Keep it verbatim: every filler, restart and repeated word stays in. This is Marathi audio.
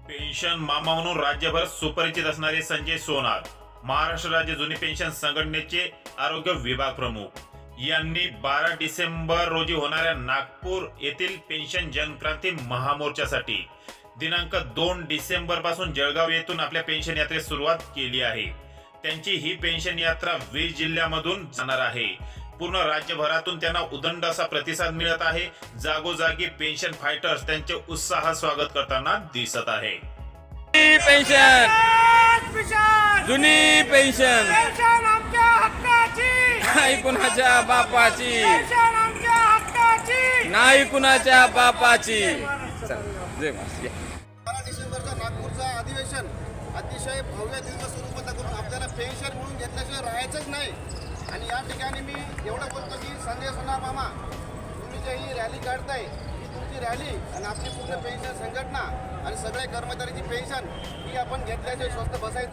पेन्शन मामा म्हणून राज्यभर सुपरिचित असणारे संजय सोनार, महाराष्ट्र राज्य जुनी पेन्शन संघटनेचे आरोग्य विभाग प्रमुख यांनी बारा डिसेंबर रोजी होणाऱ्या नागपूर येथील पेन्शन जनक्रांती महामोर्चासाठी दिनांक दोन डिसेंबर पासून जळगाव येथून आपल्या पेन्शन यात्रेस सुरुवात केली आहे। त्यांची ही पेन्शन यात्रा वीस जिल्ह्यामधून जाणार आहे। पूर्ण राज्यभरातून त्यांना उदंड असा प्रतिसाद मिळत आहे। जागोजागी पेन्शन फायटर्स त्यांचे उत्साह स्वागत करताना दिसत आहे। पेन्शन जुनी पेन्शन पेन्शन आमच्या हक्काची, नाही कुणाच्या बापाची, पेन्शन आमच्या हक्काची, नाही कुणाच्या बापाची। चला, जय महाराज, या. बारा डिसेंबरचा नागपूरचा अधिवेशन अतिशय भव्य दिव्य स्वरूपात करून आपल्याला पेन्शन म्हणून घेतल्याशिवाय राहायचंच नाही। आणि या ठिकाणी मी एवढं बोलतो की संजय सोनार मामा, तुम्ही जे ही रॅली काढताय ही तुमची रॅली आणि आपली पूर्ण पेन्शन संघटना आणि सगळ्या कर्मचाऱ्यांची पेन्शन ही आपण घेतल्याशिवाय स्वस्त बसायचं